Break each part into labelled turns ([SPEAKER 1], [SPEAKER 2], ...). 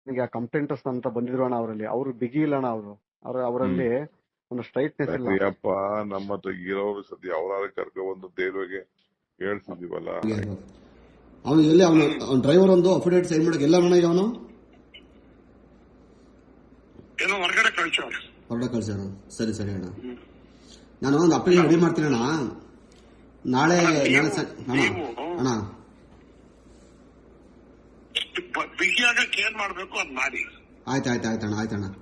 [SPEAKER 1] ಈಗ ಕಂಪ್ಲೇಂಟರ್ಸ್ ಅಂತ ಬಂದಿದ್ರು ಅಣ್ಣ ಅವರಲ್ಲಿ, ಅವ್ರು ಬಿಗಿ ಇಲ್ಲ ಅಣ್ಣ. ಅವರಲ್ಲಿ ಒಂದು ಸ್ಟ್ರೈಟ್ನೆಸ್ ಇಲ್ಲ.
[SPEAKER 2] ಅಯ್ಯಪ್ಪ, ನಮ್ಮ ಹತ್ರ ಇರೋರು ಸದ್ಯ ಅವರಾದ್ರೆ ಕರ್ಕೊಂಡ್ಬಂದು ದೇವ್ರಿಗೆ ಹೇಳ್ತಿದೀವಲ್ಲ.
[SPEAKER 3] ಅವನು ಎಲ್ಲಿ ಅವನು ಡ್ರೈವರ್ ಒಂದು ಅಫಿಡೇಟ್ ಸೈನ್ ಮಾಡಕ್ಕೆ ಎಲ್ಲ ಅಣ್ಣ ಈಗ ಅವನು
[SPEAKER 4] ಹೊರಗಡೆ
[SPEAKER 3] ಕಳ್ಸ್ಯಾರ. ಸರಿ ಸರಿ ಅಣ್ಣ, ನಾನು ಒಂದು ಅಪ್ಲಿಕೇಶನ್ ರೆಡಿ ಮಾಡ್ತೀನಿ ಅಣ್ಣ. ನಾಳೆ ಅಣ್ಣ
[SPEAKER 4] ಬಿಗಿಯಾಗಕ್ಕೆ ಏನ್ ಮಾಡ್ಬೇಕು ಅದ್ ಮಾಡಿ.
[SPEAKER 3] ಆಯ್ತಣ್ಣ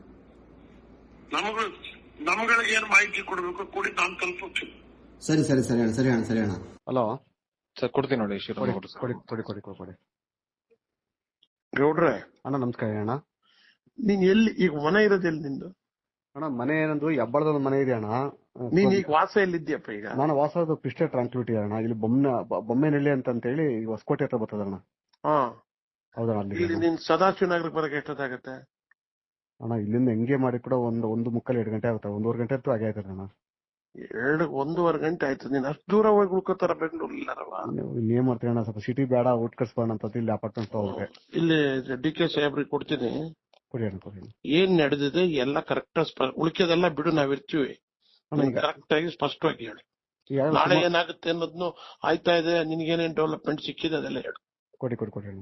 [SPEAKER 4] ನಮ್ಗಳಿಗೆ ಏನ್ ಮಾಹಿತಿ ಕೊಡ್ಬೇಕು ಕೊಡಿ, ನಾನು ತಲುಪುತ್ತೀನಿ.
[SPEAKER 3] ಸರಿ ಅಣ್ಣ.
[SPEAKER 1] ಹಲೋ
[SPEAKER 5] ಸರ್, ಕೊಡ್ತೀನಿ ನೋಡಿ.
[SPEAKER 1] ಕೊಡಿ.
[SPEAKER 4] ಗೌಡ್ರೆ
[SPEAKER 1] ಅಣ್ಣ ನಮಸ್ಕಾರ ಅಣ್ಣ.
[SPEAKER 4] ನೀನ್ ಎಲ್ಲಿ ಈಗ ಮನೆ ಇರೋದೆಲ್ಲಿ ನಿಂದು?
[SPEAKER 1] ಅಣ್ಣ ಮನೆ ಏನಂದು ಹೆಬ್ಬಳದ ಮನೆ ಇದೆ ಅಣ್ಣ.
[SPEAKER 4] ನೀನ್ ಈಗ ವಾಸ ಎಲ್ಲಿದ್ಯಪ್ಪ? ಈಗ
[SPEAKER 1] ನಾನು ವಾಸದ ಪಿಸ್ಟೆ ಟ್ರಾನ್ಸ್ಪಿಟಿ ಅಣ್ಣ. ಇಲ್ಲಿ ಬೊಮ್ಮೆನಹಳ್ಳಿ ಅಂತ ಹೇಳಿ ಹೊಸಕೋಟೆ ಹತ್ರ ಬರ್ತದ ಅಣ್ಣ. ಹೌದಣ್ಣ.
[SPEAKER 4] ಇಲ್ಲಿ ನೀನ್ ಸದಾಶಿವ ನಗರಕ್ಕೆ ಬರಕ್ಕೆ ಎಷ್ಟೊತ್ತಾಗತ್ತೆ
[SPEAKER 1] ಅಣ್ಣ? ಇಲ್ಲಿಂದ ಹೆಂಗೆ ಮಾಡಿ ಕೂಡ 1:30-2 ಗಂಟೆ ಆಗುತ್ತೆ. 1:15 ಗಂಟೆ ಅಂತೂ ಆಗೇ ಆಯ್ತದೆ ಅಣ್ಣ.
[SPEAKER 4] 1:30 ಗಂಟೆ ಆಯ್ತು. ನೀನ್ ಅಷ್ಟು ದೂರ ಹೋಗಿ ಉಳ್ಕೋತಾರ ಬೆಂಗಳೂರಿಲ್ಲಾರವ?
[SPEAKER 1] ಇಲ್ಲಿ ಏನ್ ಮಾಡ್ತೀನಿ ಅಣ್ಣ, ಸ್ವಲ್ಪ ಸಿಟಿ ಬೇಡ, ಊಟ ಕಟ್ಸ್ಬೋಣ ಅಂತ ಇಲ್ಲಿ ಅಪಾರ್ಟ್ಮೆಂಟ್ ಹೋಗ್ರೆ.
[SPEAKER 4] ಇಲ್ಲಿ ಡಿ.ಕೆ. ಸಾಹೇಬ್ರಿಗೆ ಕೊಡ್ತೀನಿ.
[SPEAKER 1] ಕೊಡಿ ಅಣ್ಣ.
[SPEAKER 4] ಏನ್ ನಡೆದಿದೆ ಎಲ್ಲ ಕರೆಕ್ಟ್, ಉಳಿಕೆದೆಲ್ಲ ಬಿಡು, ನಾವಿರ್ತೀವಿ. ಕರೆಕ್ಟ್ ಆಗಿ ಸ್ಪಷ್ಟವಾಗಿ ಹೇಳಿ. ನಾಳೆ ಏನಾಗುತ್ತೆ ಅನ್ನೋದ್ನು ಆಯ್ತಾ ಇದೆ, ನಿನ್ಗೇನೇನ್ ಡೆವಲಪ್ಮೆಂಟ್ ಸಿಕ್ಕಿದೆ ಅದೆಲ್ಲ ಹೇಳು.
[SPEAKER 1] ಕೊಡಿ ಅಣ್ಣ.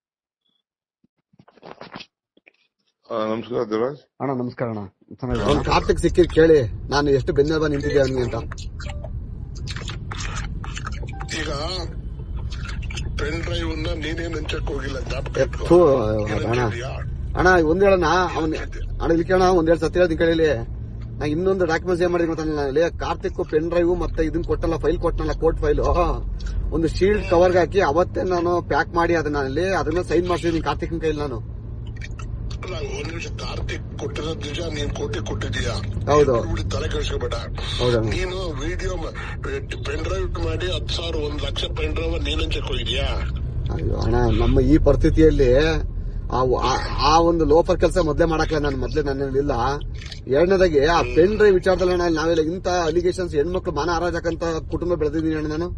[SPEAKER 2] ನಮಸ್ಕಾರ ದೇವರಾಜ್
[SPEAKER 1] ಅಣ್ಣ. ನಮಸ್ಕಾರ ಅಣ್ಣ.
[SPEAKER 3] ಅವ್ನು ಕಾರ್ತಿಕ್ ಸಿಕ್ಕಿದ್ ಕೇಳಿ ನಾನು ಎಷ್ಟು ಬೆನ್ನೆಲುಬ ನಿಂತಿದ್ದೆ ಅವನಿಗೆ ಅಂತ.
[SPEAKER 4] ಈಗ ಪೆನ್ ಡ್ರೈವ್ ನೀನೇನ್ ಹಂಚಕ್ ಹೋಗಿಲ್ಲ.
[SPEAKER 3] ಅಣ್ಣ ಒಂದ್ ಹೇಳಣ್ಣ, ಅಣ್ಣ ಇಲ್ಲಿ ಕೇಳೋಣ, ಒಂದೆರಡು ಸತಿ ಹೇಳ್ತೀನಿ ಕೇಳಿ. ನಾ ಇನ್ನೊಂದು ಡಾಕ್ಯುಮೆಂಟ್ಸ್ ಏನ್ ಮಾಡಿದ್ವಿ ಗೊತ್ತಾಗಲ್ಲ, ಕಾರ್ತಿಕ್ ಪೆನ್ ಡ್ರೈವ್ ಮತ್ತೆ ಇದನ್ನ ಕೊಟ್ಟಲ್ಲ, ಫೈಲ್ ಕೊಟ್ಟನಲ್ಲ, ಕೋರ್ಟ್ ಫೈಲು, ಒಂದು ಶೀಲ್ಡ್ ಕವರ್ಗೆ ಹಾಕಿ ಅವತ್ತೇ ನಾನು ಪ್ಯಾಕ್ ಮಾಡಿ ಅದನ್ನ ಸೈನ್ ಮಾಡ್ಸಿದೀನಿ ಕಾರ್ತಿಕ್ ಕೈಲಿ ನಾನು.
[SPEAKER 4] ಒಂದ್ ನಿಮಿಷ, ಕಾರ್ತಿಕ್ ಕೊಟ್ಟಿರೋದ್ ನಿಜ, ನೀನ್ ಕೊಟ್ಟಿದೀಯಾ?
[SPEAKER 3] ಹೌದು.
[SPEAKER 4] ತಲೆ ಕೆಡಿಸ್ಕೋಬೇಡ. ನೀನು ವಿಡಿಯೋ ಪೆನ್ ಡ್ರೈವ್ ಮಾಡಿ 10,000 1,00,000 ಪೆನ್ ಡ್ರೈವ್ ನೀನ್ ಹಂಚಕ್ ಹೋಗಿದ್ಯಾ?
[SPEAKER 3] ಅಯ್ಯೋ ಅಣ್ಣ, ನಮ್ಮ ಈ ಪರಿಸ್ಥಿತಿಯಲ್ಲಿ ಆ ಒಂದು ಲೋಫರ್ ಕೆಲಸ ಮೊದ್ಲೇ ಮಾಡಕ್ಲ ನಾನು ನನ್ನಿಲ್ಲ. ಎರಡನೇದಾಗಿ ಆ ಪೆನ್ ಡ್ರೈವ್ ವಿಚಾರದಲ್ಲಿ ನಾವೆಲ್ಲ ಇಂತ ಅಲಿಗೇಷನ್ಸ್ ಹೆಣ್ಮಕ್ಳು ಮಾನ ಹಾರಾಜಕ್ಕಂತ ಕುಟುಂಬ ಬೆಳೆದಿದ್ದೀನಿ ಅಣ್ಣ ನಾನು.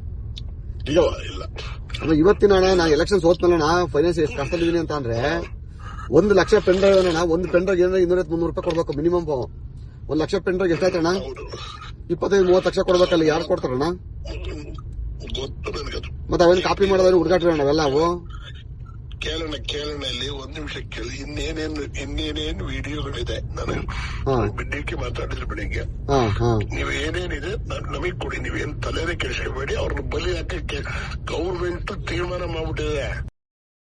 [SPEAKER 3] ಇವತ್ತಿನ ಅಣ್ಣ ನಾ ಎಲೆಕ್ಷನ್ ಸೋತ್ನಲ್ಲ, ಫೈನಾನ್ಸ್ ಎಷ್ಟು ಕಷ್ಟದಿದ್ದೀನಿ ಅಂತ ಅಂದ್ರೆ 1,00,000 ಪೆನ್ ಡ್ರೈವ್ ಅಣ್ಣ. ಒಂದು ಪೆನ್ ಡ್ರೈವ್ ಏನಾದ್ರೆ 200-300 ರೂಪಾಯಿ ಕೊಡ್ಬೇಕು ಮಿನಿಮಮ್. 1,00,000 ಪೆನ್ ಡ್ರೈವ್ ಎಷ್ಟಾಯ್ತಣ್ಣ? 25-30 ಲಕ್ಷ ಕೊಡ್ಬೇಕಲ್ಲ, ಯಾರು ಕೊಡ್ತಾರಣ್ಣ? ಮತ್ತೆ ಅವೇನು ಕಾಪಿ ಮಾಡೋದ್ರೆ ಹುಡುಗಾಟ್ರಿ ಅಣ್ಣ ಅವೆಲ್ಲ ಅವು.
[SPEAKER 4] ಕೇಳೋಣ ಇಲ್ಲಿ ಒಂದ್ ನಿಮಿಷ ಕೇಳಿ. ಇನ್ನೇನೇನು ವಿಡಿಯೋಗಳಿದೆ, ನಾನು ಡಿ.ಕೆ. ಮಾತಾಡಿದ್ರು ಬೆಳಿಗ್ಗೆ. ನೀವು ಏನೇನಿದೆ ನಮಗ್ ಕೊಡಿ, ನೀವೇನ್ ತಲೆನೇ ಕೆಡಿಸ್ಕೋಬೇಡಿ. ಅವ್ರನ್ನ ಬಲಿ ಹಾಕಕ್ಕೆ ಗೌರ್ಮೆಂಟ್ ತೀರ್ಮಾನ ಮಾಡ್ಬಿಟ್ಟಿದೆ.